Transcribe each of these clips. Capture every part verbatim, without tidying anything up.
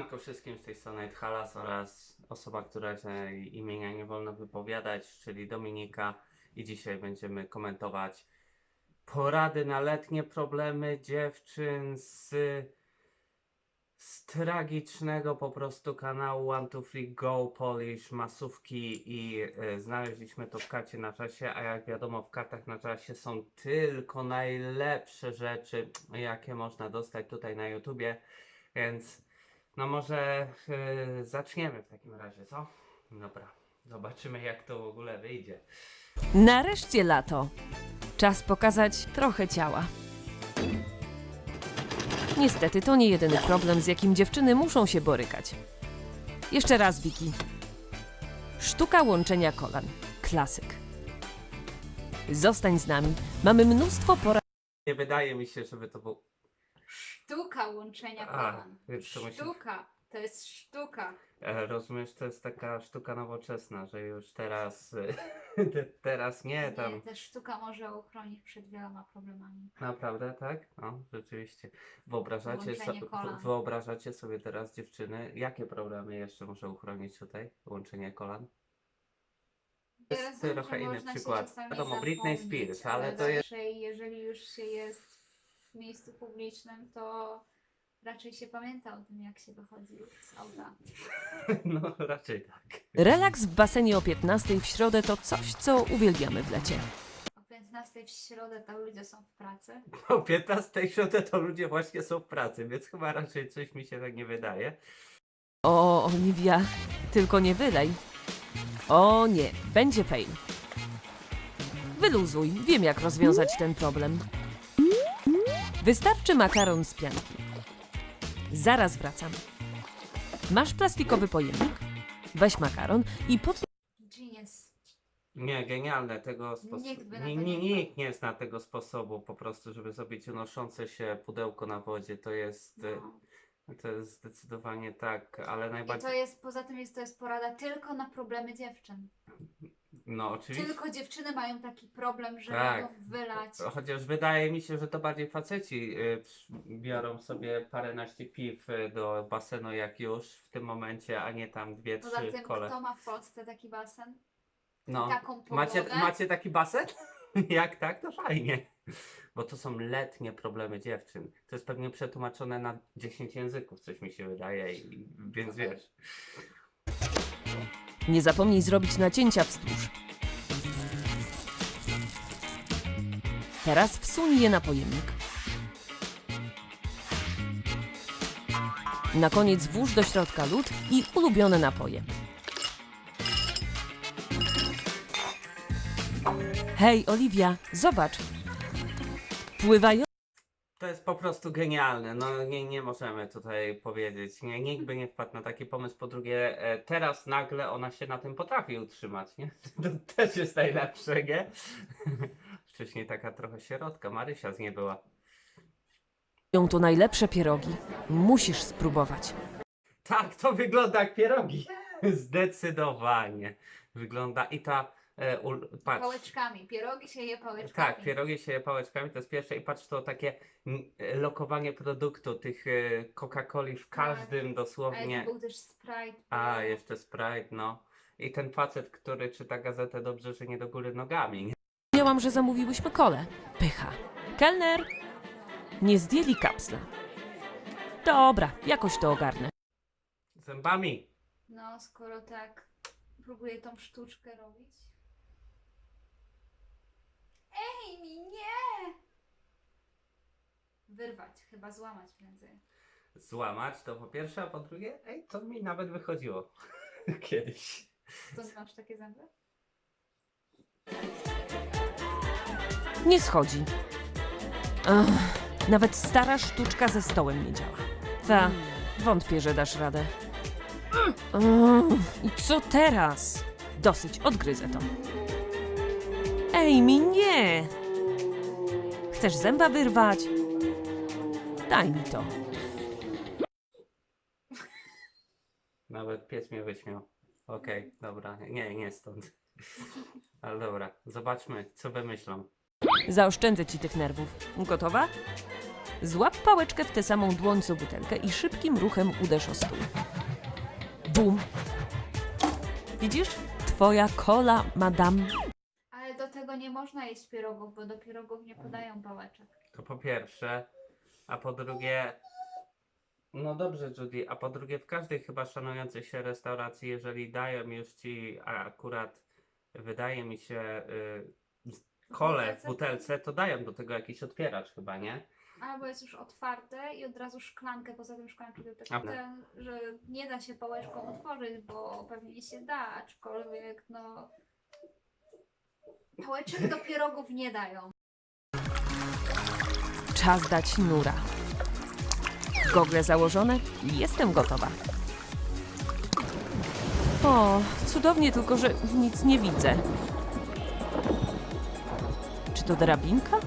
Siemanko wszystkim, z tej strony Halas oraz osoba, która imienia nie wolno wypowiadać, czyli Dominika, i dzisiaj będziemy komentować porady na letnie problemy dziewczyn z, z tragicznego po prostu kanału One Two Three Go Polish masówki i y, znaleźliśmy to w karcie na czasie, a jak wiadomo w kartach na czasie są tylko najlepsze rzeczy, jakie można dostać tutaj na YouTubie, więc no może yy, zaczniemy w takim razie, co? Dobra, zobaczymy jak to w ogóle wyjdzie. Nareszcie lato. Czas pokazać trochę ciała. Niestety to nie jedyny problem, z jakim dziewczyny muszą się borykać. Jeszcze raz, Wiki. Sztuka łączenia kolan. Klasyk. Zostań z nami. Mamy mnóstwo porad. Nie wydaje mi się, żeby to był... Sztuka łączenia A, kolan. więc to musi... Sztuka. To jest sztuka. E, rozumiesz, to jest taka sztuka nowoczesna, że już teraz... te- teraz nie tam... Nie, ta sztuka może uchronić przed wieloma problemami. Naprawdę, tak? No, rzeczywiście. Wyobrażacie, Łączenie so... kolan. Wyobrażacie sobie teraz, dziewczyny, jakie problemy jeszcze może uchronić tutaj łączenie kolan? To Ja jest rozumiem, trochę że inny można się przykład. czasami Wiadomo, Britney zapomnieć, Spears, ale to jest... raczej, jeżeli już się jest w miejscu publicznym, to raczej się pamięta o tym, jak się wychodzi z auta. No, raczej tak. Relaks w basenie o piętnastej w środę to coś, co uwielbiamy w lecie. O piętnastej w środę to ludzie są w pracy. O piętnastej środę to ludzie właśnie są w pracy, więc chyba raczej coś mi się tak nie wydaje. O, Oliwia, tylko nie wylej. O nie, będzie fail. Wyluzuj, wiem jak rozwiązać ten problem. Wystarczy makaron z pianki. Zaraz wracam. Masz plastikowy pojemnik? Weź makaron i pod... Genius. Nie, genialne tego sposobu. Nikt by na Nie, to nie, nie nikt nie zna tego sposobu po prostu, żeby zrobić unoszące się pudełko na wodzie. To jest, No. to jest zdecydowanie tak, ale I to najbardziej... jest, poza tym jest to jest porada tylko na problemy dziewczyn. No oczywiście. Tylko dziewczyny mają taki problem, że Tak. mogą wylać. Chociaż wydaje mi się, że to bardziej faceci y, przy- biorą sobie paręnaście piw y, do basenu jak już w tym momencie, a nie tam dwie, Poza trzy tym, kole. kto ma w Polsce taki basen? No. Taką pogodę? Macie, macie taki basen? Jak tak, to fajnie. Bo to są letnie problemy dziewczyn. To jest pewnie przetłumaczone na dziesięć języków, coś mi się wydaje, i, więc wiesz. Nie zapomnij zrobić nacięcia wzdłuż. Teraz wsuń je na pojemnik. Na koniec włóż do środka lód i ulubione napoje. Hej, Oliwia, zobacz. Pływają... To jest po prostu genialne. No nie, nie możemy tutaj powiedzieć. Nie, nikt by nie wpadł na taki pomysł. Po drugie, e, teraz nagle ona się na tym potrafi utrzymać, nie? To też jest najlepsze, nie? Wcześniej taka trochę sierotka, Marysia z niej była. tu najlepsze pierogi. Musisz spróbować. Tak, to wygląda jak pierogi. Zdecydowanie. Wygląda i ta... E, ul, patrz. Pałeczkami. Pierogi się je pałeczkami. Tak, pierogi się je pałeczkami, to jest pierwsze i patrz to takie mm, lokowanie produktu, tych e, Coca-Coli w każdym Ale dosłownie. to był też Sprite. A, jeszcze Sprite, no. I ten facet, który czyta gazetę dobrze, że nie do góry nogami, nie? Miałam, że zamówiłyśmy kole. Pycha. Kelner! Nie zdjęli kapsla. Dobra, jakoś to ogarnę. Zębami. No, skoro tak próbuję tą sztuczkę robić. Ej, mi nie! Wyrwać, chyba złamać prędzej. Złamać to po pierwsze, a po drugie, ej, to mi nawet wychodziło kiedyś. Stąd masz takie zęby? Nie schodzi. Ach, nawet stara sztuczka ze stołem nie działa. Ta, wątpię, że dasz radę. Ach, I co teraz? Dosyć, odgryzę to. Ej, mi nie! Chcesz zęba wyrwać? Daj mi to. Nawet pies mnie wyśmiał. Okej, dobra, nie, nie stąd. Ale dobra, zobaczmy, co wymyślą. Zaoszczędzę ci tych nerwów. Gotowa? Złap pałeczkę w tę samą dłoń co butelkę i szybkim ruchem uderz o stół. Bum! Widzisz? Twoja kola, madame. Ale do tego nie można jeść pierogów, bo do pierogów nie podają pałeczek. To po pierwsze, a po drugie, no dobrze Judy, a po drugie w każdej chyba szanującej się restauracji, jeżeli dają już ci, a akurat wydaje mi się, y, kole w butelce, to dają do tego jakiś otwieracz chyba, nie? Albo jest już otwarte i od razu szklankę, poza tym szklankę to też A. ten, że nie da się pałeczką otworzyć, bo pewnie się da, aczkolwiek no... Pałeczek do pierogów nie dają. Czas dać nura. Gogle założone, jestem gotowa. O, cudownie, tylko że nic nie widzę. Czy to drabinka?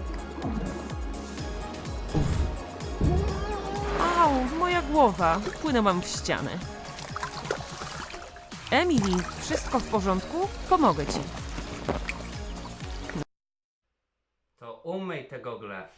Uf. Au, moja głowa. Wpłynęłam w ścianę. Emily, wszystko w porządku? Pomogę ci. To umyj te gogle.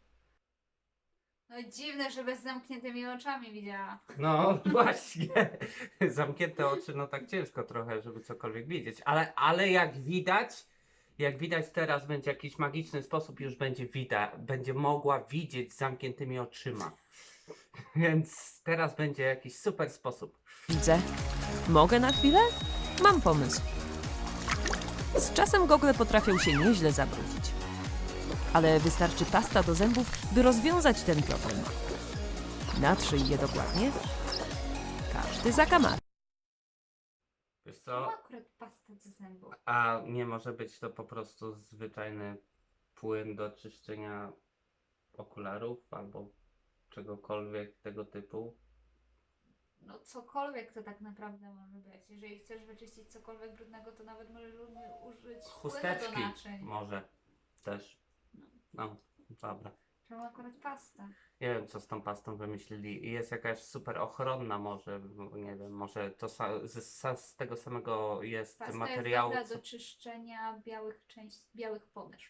No dziwne, że bez zamkniętymi oczami widziała. No właśnie, zamknięte oczy, no tak ciężko trochę, żeby cokolwiek widzieć, ale, ale jak widać, jak widać teraz będzie jakiś magiczny sposób, już będzie widać, będzie mogła widzieć z zamkniętymi oczyma. Więc teraz będzie jakiś super sposób. Widzę. Mogę na chwilę? Mam pomysł. Z czasem gogle potrafią się nieźle zabrudzić. Ale wystarczy pasta do zębów, by rozwiązać ten problem. Natrzyj je dokładnie. Każdy zakamarek. Wiesz To co, akurat pasta do zębów. a nie może być to po prostu zwyczajny płyn do czyszczenia okularów albo czegokolwiek tego typu? No cokolwiek to tak naprawdę może być. Jeżeli chcesz wyczyścić cokolwiek brudnego, to nawet możesz u- użyć płynu do Chusteczki naczyń. może też. No, dobra. Czemu akurat pasta? Nie wiem, co z tą pastą wymyślili. I jest jakaś super ochronna może, bo nie wiem, może to sa- z, sa- z tego samego jest Pasta materiału. jest dobra co- do czyszczenia białych części, białych podeszw.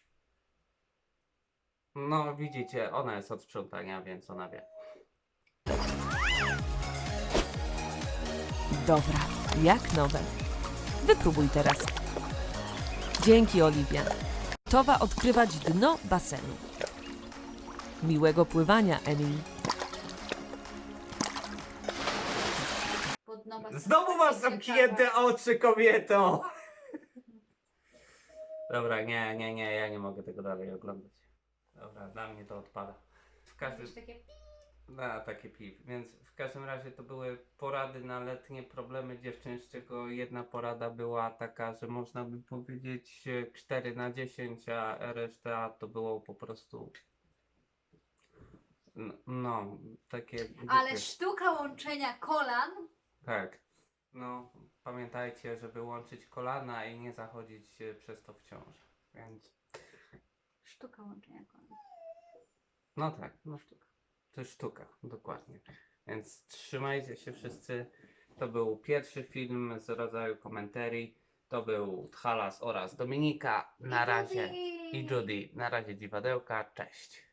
No widzicie, ona jest od sprzątania, więc ona wie. Dobra, jak nowe. Wypróbuj teraz. Dzięki, Oliwia. Gotowa odkrywać dno basenu. Miłego pływania, Emily. Pod dno basenu Znowu masz jest zamknięte ciekawe. oczy, kobieto! Dobra, nie, nie, nie, ja nie mogę tego dalej oglądać. Dobra, dla mnie to odpada. W każdym... Jakieś takie pi- Na takie piw. Więc w każdym razie to były porady na letnie problemy dziewczyn, z czego jedna porada była taka, że można by powiedzieć e, cztery na dziesięć, a reszta to było po prostu no, no takie Ale głupie. sztuka łączenia kolan. Tak. No, pamiętajcie, żeby łączyć kolana i nie zachodzić e, przez to w ciążę. Więc Sztuka łączenia kolan. no tak, no sztuka. To jest sztuka, dokładnie. Więc trzymajcie się wszyscy. To był pierwszy film z rodzaju komentarii. To był Tchalas oraz Dominika. Na razie. I Judy. Na razie dziwadełka. Cześć.